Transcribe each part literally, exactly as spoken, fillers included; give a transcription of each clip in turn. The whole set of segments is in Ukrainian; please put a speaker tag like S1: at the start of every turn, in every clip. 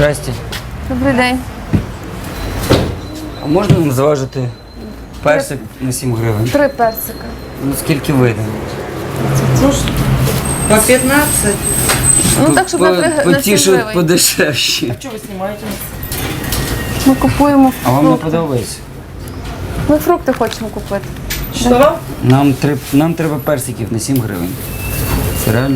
S1: Здрасте.
S2: Добрий день.
S1: А можна нам зважити персик на сім гривень?
S2: Три персика.
S1: Ну скільки вийде?
S3: По пятнадцать.
S2: Ну так, щоб на три
S1: По
S2: на
S1: ті,
S2: сім
S1: що
S2: гривень.
S1: подешевші.
S3: Что вы снимаете?
S2: Ми купуємо
S1: А вам не
S2: фрукти.
S1: подобається?
S2: Ми фрукти хочемо купити.
S3: Что?
S1: Нам, треб, нам треба персиків на сім гривень. Це реально?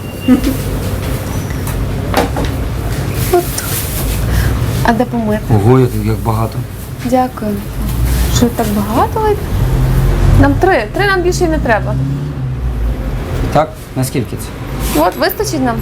S2: А де помити?
S1: Ого, як, як багато.
S2: Дякую. Що так багато? вийде? Нам три. Три нам більше і не треба.
S1: Так? Наскільки це?
S2: От, вистачить нам.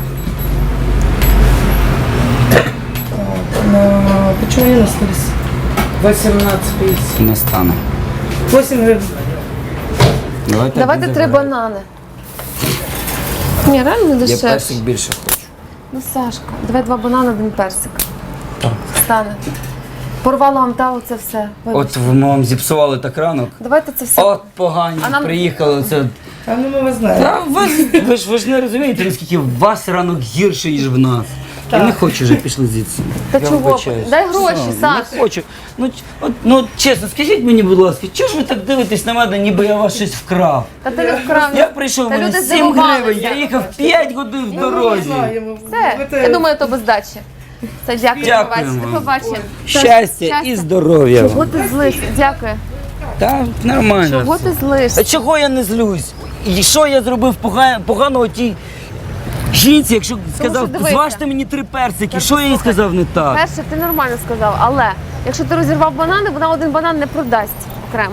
S3: А, почему они остались? восемнадцать пятьдесят.
S1: Не стане.
S3: восемь гривен.
S1: Давайте,
S2: Давайте
S1: один
S2: три
S1: забираємо.
S2: банани. Ні, реально не
S1: Я
S2: дешевше.
S1: персик більше хочу.
S2: Ну, Сашка, давай два банани, один персик. Стане. Порвала вам та оце все. Вибач.
S1: От ми вам зіпсували так ранок.
S2: Давайте це все.
S1: От погані,
S2: А нам-
S1: приїхали. Це...
S3: А ну мы вас знаем.
S1: Та ви, ж- ви, ж, ви ж не розумієте, наскільки в вас ранок гірший, ніж в нас. Я не хочу вже, пішли звідси.
S2: Та
S1: Я
S2: чого?
S1: вибачаюсь.
S2: Дай гроші,
S1: Все,
S2: Саш.
S1: Не хочу. Ну, ч- от, ну от чесно, скажіть мені, будь ласка, чого ж ви так дивитесь на мене, ніби я вас щось вкрав?
S2: Та ти не вкрав.
S1: Я прийшов, у
S2: Та
S1: мене
S2: люди
S1: сім
S2: здивувалися.
S1: гривень, я їхав п'ять годин в
S3: Мы
S1: дорозі.
S3: знаем.
S2: Все,
S3: Это-
S2: я думаю, то без здачі. Все, дякую,
S1: Дякуємо.
S2: побачення. До побачення.
S1: Щастя і здоров'я.
S2: Чого ти злишся? Дякую.
S1: Так, нормально.
S2: Чого
S1: все.
S2: ти злишся?
S1: А чого я не злюсь? І що я зробив пога- поганого тій жінці, якщо сказав,
S2: дивися.
S1: зважте мені три персики, що я їй сказав не так?
S2: Перше, ти нормально сказав, але якщо ти розірвав банани, вона один банан не продасть окремо.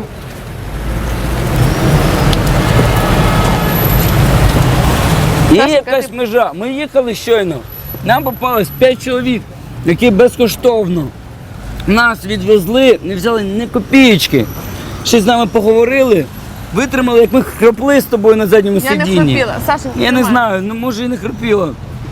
S1: Є
S2: Саша,
S1: якась
S2: кажи.
S1: межа. Ми їхали щойно. Нам попалось п'ять чоловік, які безкоштовно нас відвезли, не взяли ні копієчки. Ще з нами поговорили, витримали, як ми хропли з тобою на задньому
S2: Я не
S1: сидінні.
S2: хропіла. Саша,
S1: Я не
S2: нормально.
S1: знаю, ну може і не хропіла.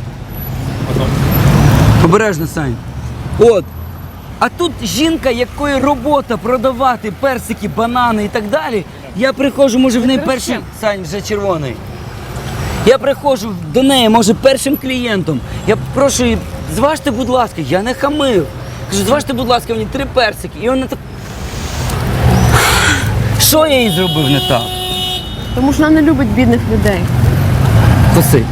S1: Обережно, Сань. От. А тут жінка, якої робота продавати персики, банани і так далі. Я приходжу, може в неї перший. Сань, вже червоний. Я приходжу до неї, може, першим клієнтом. Я прошу її, зважте, будь ласка, я не хамив. Кажу, зважте, будь ласка, мені три персики. І вона так. Що я їй зробив не так?
S2: Тому що вона не любить бідних людей.
S1: Коси.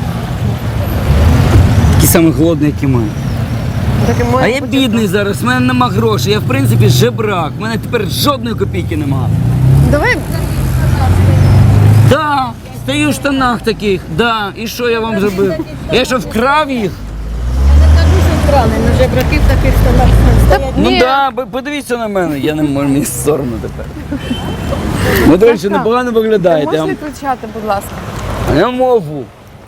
S1: Такі самі голодні, як і ми.
S2: Так і
S1: А
S2: має
S1: я
S2: бути.
S1: бідний зараз, в мене нема грошей, я в принципі жебрак, в мене тепер жодної копійки нема.
S2: Давай,
S1: Да, стою в штанах таких, да, і що я вам зробив? Я що, вкрав їх?
S4: На жебраків таких станах.
S1: Ну
S2: ні.
S1: да, бо- подивіться на мене, я не можу, мені соромно тепер. Ви, до речі, непогано виглядаєте.
S2: можеш
S1: Я,
S2: не
S1: вам-
S2: кричати, будь ласка.
S1: я можу.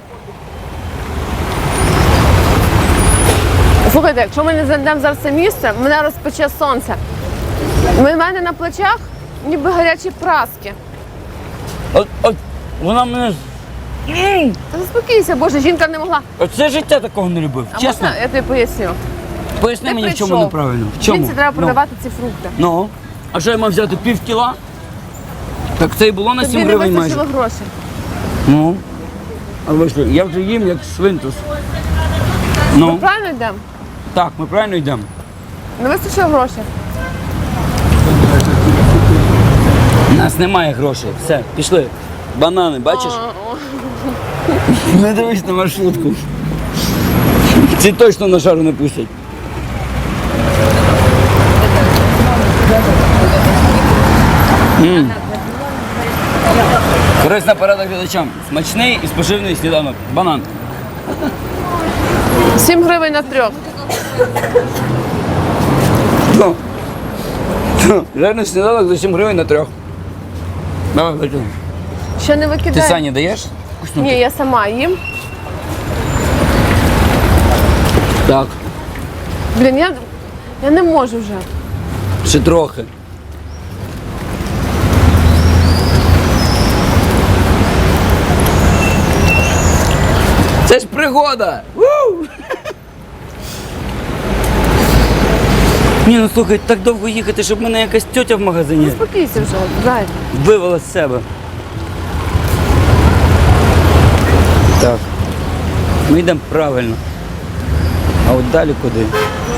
S2: Слухайте, якщо ми не зайдемо зараз в це місце, мене розпече сонце. У мене на плечах ніби гарячі праски.
S1: От, от, вона мене... М!
S2: Та заспокійся, Боже, жінка не могла.
S1: Оце життя такого не любив,
S2: А
S1: чесно.
S2: можна, я тобі поясню.
S1: Поясни
S2: Ти
S1: мені, в чому
S2: прийшов.
S1: неправильно. В чому?
S2: Жінці треба
S1: Ну.
S2: продавати ці фрукти.
S1: Ну, а що я мав взяти пів кіла? Так це і було на
S2: Тобі
S1: сім
S2: не
S1: гривень майже.
S2: вистачило грошей.
S1: Ну. А ви що, я вже їм як свинтус. Ну,
S2: Правильно йдемо?
S1: так, ми правильно йдемо.
S2: Не вистачило грошей.
S1: У нас немає грошей. Все, пішли. Банани, бачиш? Не дивись на маршрутку. Ці точно на шару не пустять. М. Корисна порада глядачам. Смачний і споживний сніданок. Банан.
S2: Сім гривень на трьох.
S1: Ну. Ну, реально сніданок за сім гривень на трьох. Давай, викинь.
S2: Ще не
S1: Ти
S2: викидай.
S1: Сані даєш?
S2: Ні, я сама їм.
S1: Так,
S2: Блін, я, я не можу вже.
S1: ще трохи. Це ж пригода! Ву! Ні, ну слухай, так довго їхати, щоб мене якась тьотя в магазині
S2: Заспокійся вже, дай.
S1: вивела з себе. Так. Ми йдемо правильно. А от далі куди?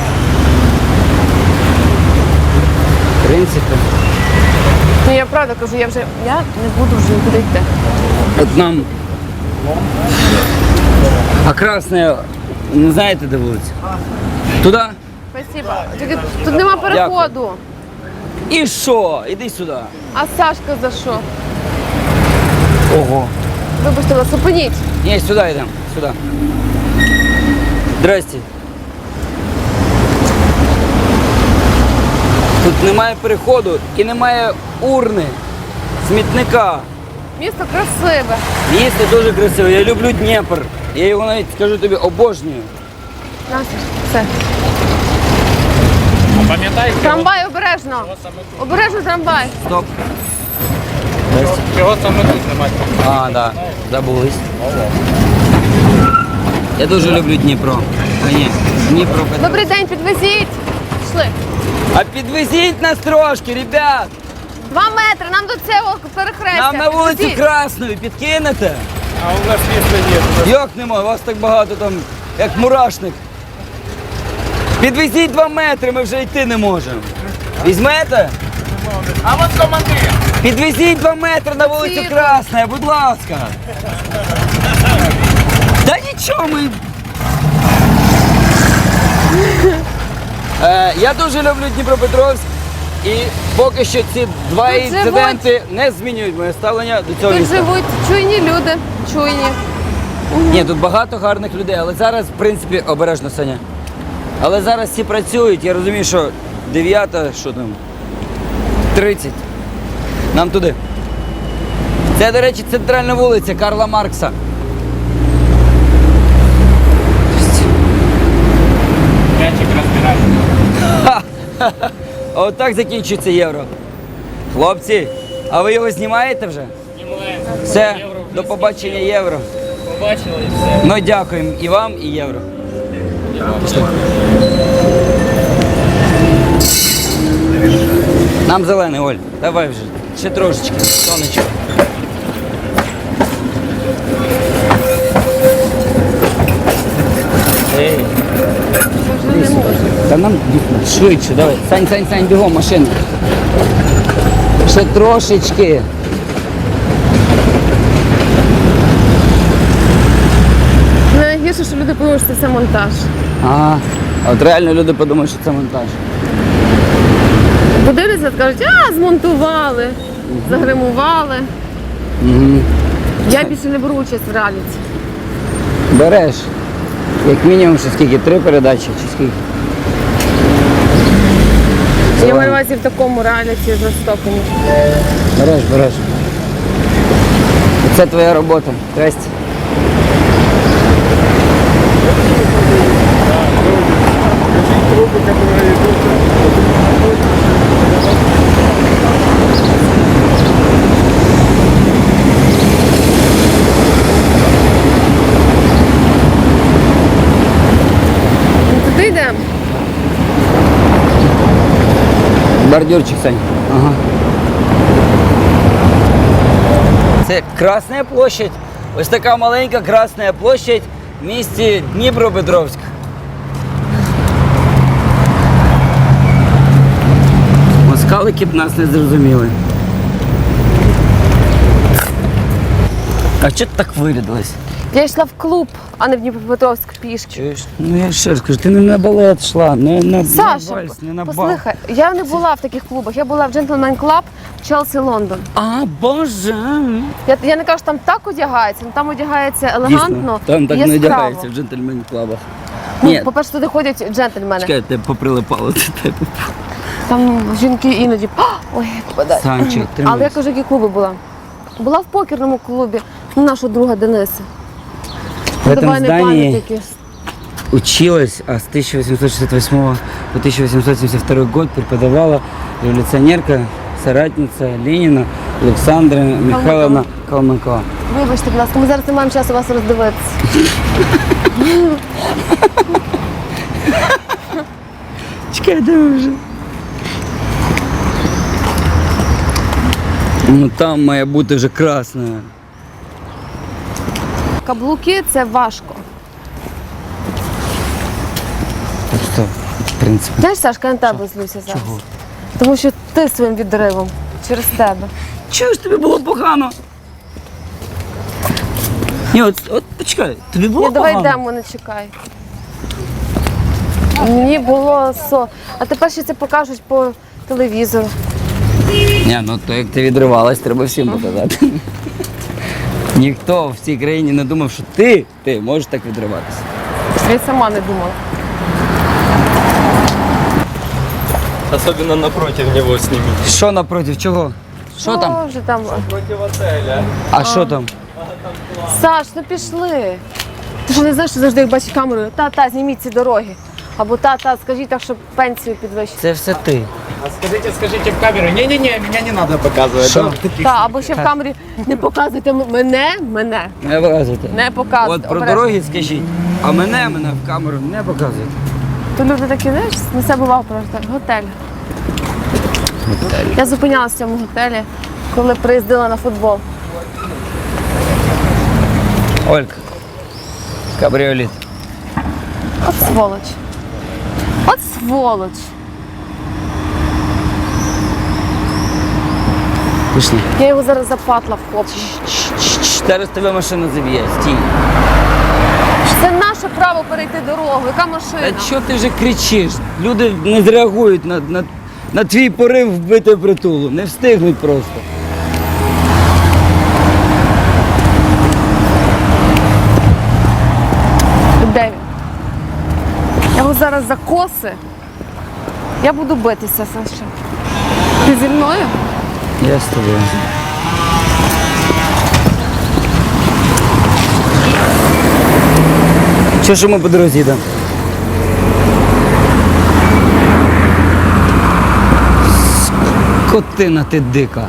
S1: В принципі.
S2: Ну я правда кажу, я вже я не буду вже нікуди йти.
S1: От нам. А красне, не знаєте, де вулиця? Туди?
S2: Спасибо. Тільки тут нема переходу.
S1: І що? Іди сюди.
S2: А Сашка за що?
S1: Ого.
S2: Вибачте, вас зупиніть.
S1: Ні, сюди йдемо, сюди. Здрасте. Тут немає переходу і немає урни, смітника.
S2: Місто красиве.
S1: Місто дуже красиве, я люблю Дніпр. Я його навіть, скажу тобі, обожнюю.
S2: Настя, все.
S5: Пам'ятаєте,
S2: Трамвай обережно. Обережно трамвай.
S1: Стоп.
S5: чого саме тут немає?
S1: А, так, да, забулись. Я дуже люблю Дніпро. А ні, Дніпро.
S2: Добрий день, підвезіть. Пішли.
S1: А підвезіть нас трошки, ребят.
S2: Два метри, нам до цього перехрестя.
S1: Нам на вулицю
S2: Підвезіть.
S1: Красної підкинете?
S5: А у нас місця є.
S1: Як нема, вас так багато там, як мурашник. Підвезіть два метри, ми вже йти не можемо. Візьмете?
S5: А от командир!
S1: Підвезіть два метри на вулицю
S2: Потрібно.
S1: Красна, будь ласка. Та нічого ми. Е, я дуже люблю Дніпропетровськ і поки що ці два
S2: Тут
S1: інциденти не змінюють моє ставлення до цього
S2: Тут
S1: міста.
S2: живуть чуйні люди, чуйні.
S1: Ні, тут багато гарних людей, але зараз, в принципі, обережно, Саня. Але зараз всі працюють, я розумію, що дев'ята, що там, тридцять. Нам туди. Це, до речі, центральна вулиця Карла Маркса.
S5: М'ячик розбирає.
S1: Ха-ха-ха. Отак закінчується євро. Хлопці, а ви його знімаєте вже?
S5: Знімаємо.
S1: Все,
S5: Євро вже
S1: до побачення євро.
S5: Побачили і все.
S1: Ну, дякуємо і вам, і євро. Нам зелений, Оль. Давай вже. Ще трошечки. Сонечко. Ей. Та нам швидше, давай. Сань, Сань, Сань, бігом, машина. Ще трошечки.
S2: Найгірше, що люди подумають, що це монтаж.
S1: Ага. А от реально люди подумають, що це монтаж.
S2: Подивляться, скажуть, а, змонтували, загримували.
S1: Угу.
S2: Я більше не беру участь в реаліті.
S1: Береш. Як мінімум, що скільки? Три передачі чи скільки?
S2: Я маю на увазі в такому реаліті жорстокому.
S1: Береш, береш. Це твоя робота. Здрасте.
S2: Ну, туди йдемо.
S1: Бордюрчик, Сань. Ага. Це Красна площадь. Ось така маленька Красна площадь в місті Дніпропетровськ. Москалики б нас не зрозуміли. А чого ти так вирядилась?
S2: Я йшла в клуб, а не в Дніпропетровськ пішки.
S1: Чуєш? Ну я ще раз кажу, ти не на балет йшла, не на,
S2: Саша,
S1: на вальс, не на бал.
S2: послухай, я не була в таких клубах, я була в Gentleman Club Челсі Лондон.
S1: А, боже!
S2: Я, я не кажу, що там так одягається, але там одягається елегантно.
S1: Дійсно, там так
S2: і
S1: не
S2: яскраво.
S1: одягається в джентльмен клабах.
S2: Ну,
S1: Ні,
S2: по-перше, туди ходять джентльмени.
S1: чекай, тебе поприлипало до тебе.
S2: Там жінки іноді. «А, ой, попадає.
S1: Санчик,
S2: Але я
S1: тримайся.
S2: кажу, які клуби була. Була в покерному клубі у нашого друга Дениса.
S1: В этом
S2: Давай не
S1: здании
S2: пам'ятники.
S1: училась, а с тысяча восемьсот шестьдесят восьмого по тысяча восемьсот семьдесят второй год преподавала революционерка, соратница Ленина Александра Михайловна Калмыкова.
S2: Вибачте, будь ласка, ми зараз не маємо часу вас роздивитися.
S1: Чекай, де ви вже? Ну там має бути вже красна.
S2: Каблуки це важко.
S1: Так що, в принципі.
S2: Знаєш, Сашка, я на тебе злюся зараз.
S1: Чого?
S2: Тому що ти своїм відривом через тебе.
S1: Чого ж тобі було погано? Ні, от, от почекай, тобі було
S2: Ні, давай
S1: погано?
S2: йдемо, не чекай. Мені було со. А тепер ще це покажуть по телевізору.
S1: Ні, ну то як ти відривалась, треба всім показати. Ніхто в цій країні не думав, що ти, ти можеш так відриватися.
S2: Я й сама не думала.
S5: Особенно напротив него снимите.
S1: Що напротив чого? Що там?
S2: Що вже там?
S5: Против отеля.
S1: А що там?
S2: Саш, ну пішли. Ти що не знаєш, що завжди як бачиш камерою? Та-та, зніміть ці дороги. Або та-та, скажіть так, щоб пенсію підвищити.
S1: Це все ти.
S5: А скажите, скажите в камеру. Не-не-не, меня не надо показывать.
S1: Що?
S5: Да?
S2: Та, або ще в камері не показуйте м- мене, мене.
S1: Не показуйте.
S2: Не показуйте.
S1: От про
S2: Обережно.
S1: дороги скажіть, а мене, мене в камеру не показуйте.
S2: То люди такі, знаєш, на себе увагу просто. Готель. Я зупинялася в цьому готелі, коли приїздила на футбол.
S1: Олька, кабріоліт.
S2: От сволоч. От сволоч.
S1: Пішли.
S2: Я його зараз запатла вхоплю.
S1: Зараз тебе машина заб'є, стій.
S2: Це наше право перейти дорогу. Яка машина?
S1: Та що ти вже кричиш? Люди не зреагують на, на, на твій порив вбити притулу. Не встигнуть просто.
S2: Де він? Я його зараз за коси. Я буду битися, Саша. Ти зі мною?
S1: Я з тобою. Що ж ми по дорозі йдемо? Скотина ти дика.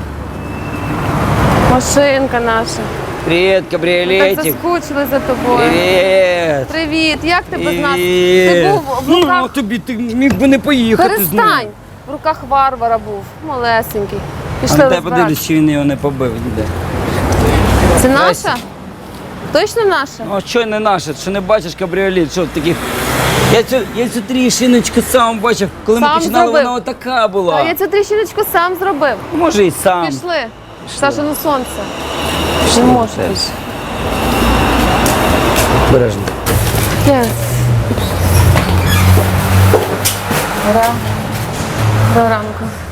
S2: Машинка наша.
S1: Привіт,
S2: Ми так
S1: кабріолетик.
S2: заскучили за тобою.
S1: Привіт.
S2: Привіт, як ти без нас?
S1: Привіт.
S2: Ти був в
S1: Ну,
S2: руках.
S1: тобі ти міг би не поїхати з ним.
S2: Перестань! В руках варвара був, малесенький.
S1: А
S2: Пішли
S1: на тебе
S2: розбиратися.
S1: подивлюсь, чи він його не побив. Де?
S2: Це
S1: Здрасте.
S2: наша? Точно наша?
S1: Ну, а що не наше? Що не бачиш кабріолет? Що таких? Я цю, я цю тріщиночку сам бачив, коли ми
S2: Сам
S1: починали,
S2: зробив.
S1: вона отака була.
S2: А я цю тріщиночку сам зробив.
S1: Може і сам.
S2: Пішли. Саша, ну сонце. Не можу.
S1: Теж. Бережно.
S2: Yes. Доброго ранку.